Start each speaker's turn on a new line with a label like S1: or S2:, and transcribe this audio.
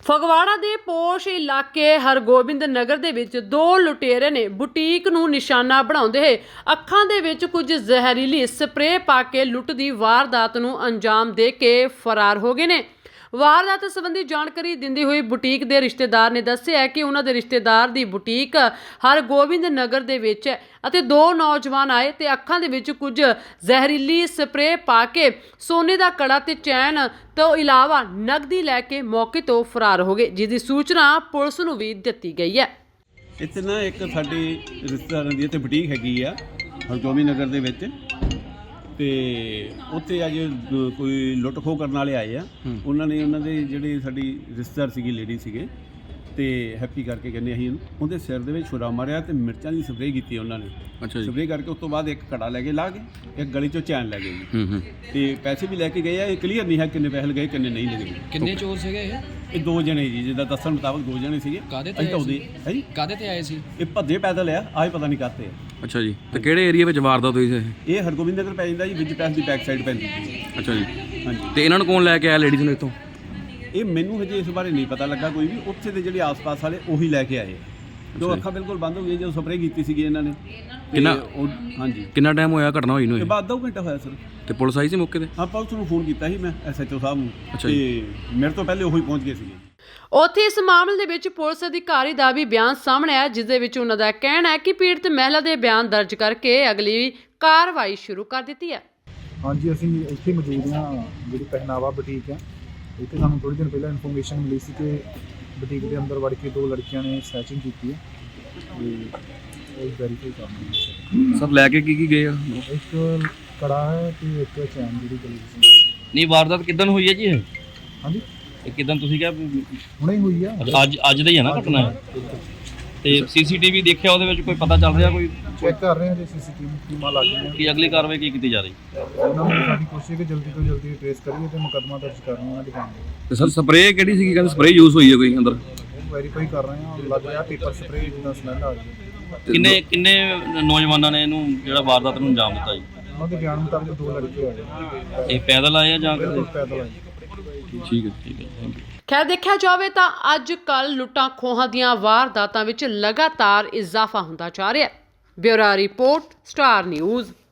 S1: ਫਗਵਾੜਾ ਦੇ ਪੋਸ਼ ਇਲਾਕੇ ਹਰਗੋਬਿੰਦ ਨਗਰ ਦੇ ਵਿੱਚ ਦੋ ਲੁਟੇਰੇ ਨੇ ਬੁਟੀਕ ਨੂੰ ਨਿਸ਼ਾਨਾ ਬਣਾਉਂਦੇ ਹੋਏ ਅੱਖਾਂ ਦੇ ਵਿੱਚ ਕੁਝ ਜ਼ਹਿਰੀਲੀ ਸਪਰੇਅ ਪਾ ਕੇ ਲੁੱਟ ਦੀ ਵਾਰਦਾਤ ਨੂੰ ਅੰਜਾਮ ਦੇ ਕੇ ਫਰਾਰ ਹੋ ਗਏ ਨੇ। ਵਾਰਦਾਤ ਸੰਬੰਧੀ ਜਾਣਕਾਰੀ ਦਿੰਦੇ ਹੋਏ ਬੁਟੀਕ ਦੇ ਰਿਸ਼ਤੇਦਾਰ ਨੇ ਦੱਸਿਆ ਕਿ ਉਹਨਾਂ ਦੇ ਰਿਸ਼ਤੇਦਾਰ ਦੀ ਬੁਟੀਕ ਹਰਗੋਬਿੰਦ ਨਗਰ ਦੇ ਵਿੱਚ ਹੈ ਅਤੇ ਦੋ ਨੌਜਵਾਨ ਆਏ ਤੇ ਅੱਖਾਂ ਦੇ ਵਿੱਚ ਕੁਝ ਜ਼ਹਿਰੀਲੀ ਸਪਰੇਅ ਪਾ ਕੇ ਸੋਨੇ ਦਾ ਕੜਾ ਤੇ ਚੈਨ ਤੋਂ ਇਲਾਵਾ ਨਕਦੀ ਲੈ ਕੇ ਮੌਕੇ ਤੋਂ ਫਰਾਰ ਹੋ ਗਏ, ਜਿਸ ਦੀ ਸੂਚਨਾ ਪੁਲਿਸ ਨੂੰ ਵੀ ਦਿੱਤੀ ਗਈ ਹੈ।
S2: ਇੱਥੇ ਨਾ ਇੱਕ ਸਾਡੀ ਰਿਸ਼ਤੇਦਾਰਾਂ ਦੀ ਇੱਥੇ ਬੁਟੀਕ ਹੈਗੀ ਆ ਹਰਗੋਬਿੰਦ ਨਗਰ ਦੇ ਵਿੱਚ, ਤੇ ਉੱਥੇ ਅੱਜ ਕੋਈ ਲੁੱਟ ਖੋਹ ਕਰਨ ਵਾਲੇ ਆਏ ਆ। ਉਹਨਾਂ ਨੇ ਉਹਨਾਂ ਦੇ ਜਿਹੜੇ ਸਾਡੀ ਰਿਸ਼ਤੇਦਾਰ ਸੀਗੀ ਲੇਡੀ ਸੀਗੇ ਤੇ ਹੈਪੀ ਕਰਕੇ ਕਹਿੰਦੇ ਅਸੀਂ ਉਹਦੇ ਸਿਰ ਦੇ ਵਿੱਚ ਛੁਰਾ ਮਾਰਿਆ ਤੇ ਮਿਰਚਾਂ ਦੀ ਸਪਰੇਅ ਕੀਤੀ ਉਹਨਾਂ ਨੇ। ਅੱਛਾ ਜੀ। ਸਪਰੇਅ ਕਰਕੇ ਉਸ ਤੋਂ ਬਾਅਦ ਇੱਕ ਕੜਾ ਲੈ ਕੇ ਲਾ ਕੇ ਇੱਕ ਗਲੀ ਚੋਂ ਚੈਨ ਲੈ ਗਏ ਜੀ। ਤੇ ਪੈਸੇ ਵੀ ਲੈ ਕੇ ਗਏ ਆ। ਇਹ ਕਲੀਅਰ ਨਹੀਂ ਹੈ ਕਿੰਨੇ ਪੈਸੇ ਲਗਾਏ ਕਿੰਨੇ ਨਹੀਂ ਲਗੇ।
S3: ਕਿੰਨੇ ਚੋਰ ਸੀਗੇ
S2: ਇਹ ਦੋ ਜਣੇ ਜੀ, ਜਿੱਦਾਂ ਦੱਸਣ ਮੁਤਾਬਕ ਦੋ ਜਣੇ ਸੀਗੇ।
S3: ਕਾਹਦੇ ਤੇ ਆਏ ਸੀ?
S2: ਹੈ ਜੀ,
S3: ਕਾਹਦੇ ਤੇ ਆਏ ਸੀ?
S2: ਇਹ ਭੱਜੇ ਪੈਦਲ ਆ, ਆਏ ਪਤਾ ਨਹੀਂ ਕਾਹਤੇ ਆ।
S4: ਅੱਛਾ ਜੀ। ਤੇ ਕਿਹੜੇ ਏਰੀਆ ਵਿੱਚ ਵਾਰਦਾਤ ਹੋਈ ਸੀ
S2: ਇਹ ਹਰਗੋਬਿੰਦ ਨਗਰ ਪੈ ਜਾਂਦਾ ਜੀ, ਵਿੱਚ ਪੈਸ ਦੀ ਬੈਕ ਸਾਈਡ ਪੈਂਦੀ ਜੀ।
S4: ਅੱਛਾ ਜੀ।
S2: ਹਾਂਜੀ।
S4: ਤੇ ਇਹਨਾਂ ਨੂੰ ਕੌਣ ਲੈ ਕੇ ਆਇਆ ਲੇਡੀਜ਼ ਨੂੰ ਇੱਥੋਂ?
S2: ਇਹ ਮੈਨੂੰ ਹਜੇ ਇਸ ਬਾਰੇ ਨਹੀਂ ਪਤਾ ਲੱਗਾ ਕੋਈ ਵੀ। ਉੱਥੇ ਦੇ ਜਿਹੜੇ ਆਸ-ਪਾਸ ਵਾਲੇ ਉਹੀ ਲੈ ਕੇ ਆਏ। ਜੋ ਅੱਖਾਂ ਬਿਲਕੁਲ ਬੰਦ ਹੋ ਗਈਆਂ ਜਦੋਂ ਸਪਰੇਅ ਕੀਤੀ ਸੀਗੀ ਇਹਨਾਂ ਨੇ। ਹਾਂਜੀ।
S4: ਕਿੰਨਾ ਟਾਈਮ ਹੋਇਆ ਘਟਨਾ ਹੋਈ ਨੂੰ?
S2: ਇਹ ਬਾਅਦ 2 ਘੰਟਾ ਹੋਇਆ ਸਰ।
S4: ਤੇ ਪੁਲਿਸ ਆਈ ਸੀ ਮੌਕੇ ਤੇ?
S2: ਹਾਂ, ਪੁਲਿਸ ਨੂੰ ਫੋਨ ਕੀਤਾ ਸੀ ਮੈਂ ਐਸਐਚਓ ਸਾਹਿਬ ਨੂੰ, ਤੇ ਮੇਰੇ ਤੋਂ ਪਹਿਲੇ ਉਹੀ ਪਹੁੰਚ ਗਏ ਸੀਗੇ।
S1: ਉੱਥੇ ਇਸ ਮਾਮਲੇ ਦੇ ਵਿੱਚ ਪੁਲਿਸ ਅਧਿਕਾਰੀ ਦਾ ਵੀ ਬਿਆਨ ਸਾਹਮਣੇ ਆਇਆ, ਜਿਸ ਦੇ ਵਿੱਚ ਉਹਨਾਂ ਦਾ ਕਹਿਣਾ ਹੈ ਕਿ ਪੀੜਤ ਮਹਿਲਾ ਦੇ ਬਿਆਨ ਦਰਜ ਕਰਕੇ ਅਗਲੀ ਕਾਰਵਾਈ ਸ਼ੁਰੂ ਕਰ ਦਿੱਤੀ ਹੈ।
S5: ਹਾਂਜੀ, ਅਸੀਂ ਇੱਥੇ ਮੌਜੂਦ ਹਾਂ ਜਿਹੜੀ ਪਹਿਨਾਵਾ ਬੁਟੀਕ ਹੈ। ਇੱਥੇ ਸਾਨੂੰ ਥੋੜ੍ਹੇ ਦਿਨ ਪਹਿਲਾਂ ਇਨਫੋਰਮੇਸ਼ਨ ਮਿਲੀ ਸੀ ਕਿ ਬੁਟੀਕ ਦੇ ਅੰਦਰ ਵੜ ਕੇ ਦੋ ਲੜਕੀਆਂ ਨੇ ਸਨੈਚਿੰਗ ਕੀਤੀ ਹੈ ਤੇ ਉਹ ਵੈਰੀਫਾਈ ਕਰਨਾ।
S4: ਸਰ ਲੈ ਕੇ ਕੀ ਗਏ ਆ?
S5: ਇੱਕ ਕੜਾ ਹੈ ਤੇ ਇੱਕ ਚੈਨ ਜਿਹੜੀ ਗਲੀ ਸੀ।
S6: ਨਹੀਂ, ਵਾਰਦਾਤ ਕਿੱਦਣ ਹੋਈ ਹੈ ਜੀ ਇਹ?
S5: ਹਾਂਜੀ,
S6: ਇਹ ਕਿੱਦਣ ਤੁਸੀਂ ਕਿਹਾ
S5: ਹੁਣੇ ਹੋਈ ਆ।
S6: ਅੱਜ ਦਾ ਹੀ ਹੈ ਨਾ ਘਟਨਾ? ਤੇ ਸੀਸੀਟੀਵੀ ਦੇਖਿਆ, ਉਹਦੇ ਵਿੱਚ ਕੋਈ ਪਤਾ ਚੱਲ ਰਿਹਾ? ਕੋਈ
S5: ਚੈੱਕ ਕਰ ਰਹੇ ਹਾਂ ਜੇ ਸੀਸੀਟੀਵੀ ਟੀਮਾਂ ਲੱਗ ਗਈਆਂ
S6: ਕੀ ਅਗਲੀ ਕਾਰਵਾਈ ਕੀ ਕੀਤੀ ਜਾ ਰਹੀ?
S5: ਉਹਨਾਂ ਨੂੰ ਸਾਡੀ ਕੋਸ਼ਿਸ਼ ਹੈ ਕਿ ਜਲਦੀ ਤੋਂ ਜਲਦੀ ਟ੍ਰੇਸ ਕਰੀਏ ਤੇ ਮੁਕੱਦਮਾ ਦਰਜ ਕਰਨਾ ਉਹਨਾਂ ਦੀ ਕੰਮ।
S4: ਤੇ ਸਰ ਸਪਰੇਅ ਕਿਹੜੀ ਸੀਗੀ? ਕਹਿੰਦੇ ਸਪਰੇਅ ਯੂਜ਼ ਹੋਈ ਹੈ ਕੋਈ ਅੰਦਰ?
S5: ਉਹ ਵੈਰੀਫਾਈ ਕਰ ਰਹੇ ਹਾਂ। ਲੱਗ ਰਿਹਾ ਪੇਪਰ ਸਪਰੇਅ ਜਿੱਦਾਂ ਸਮੈਲ ਆ ਰਹੀ ਹੈ।
S6: ਕਿੰਨੇ ਨੌਜਵਾਨਾਂ ਨੇ ਇਹਨੂੰ ਜਿਹੜਾ ਵਾਰਦਾਤ ਨੂੰ ਅੰਜਾਮ ਦਿੱਤਾ ਜੀ?
S5: ਉਹਨਾਂ ਦੇ ਬਿਆਨ ਮੁਤਾਬਕ ਦੋ ਲੜਕੇ ਆਏ।
S6: ਇਹ ਪੈਦਲ ਆਏ ਆ ਜਾਂ
S5: ਬਿਲਕੁਲ ਪੈਦਲ ਆਏ।
S6: ਠੀਕ ਹੈ, ਥੈਂਕ ਯੂ।
S1: ਖੈਰ ਦੇਖਿਆ ਜਾਵੇ ਤਾਂ ਅੱਜ ਕੱਲ੍ਹ ਲੁੱਟਾਂ ਖੋਹਾਂ ਦੀਆਂ ਵਾਰਦਾਤਾਂ ਵਿੱਚ ਲਗਾਤਾਰ ਇਜ਼ਾਫਾ ਹੁੰਦਾ ਜਾ ਰਿਹਾ ਹੈ। Bureau report, Star news.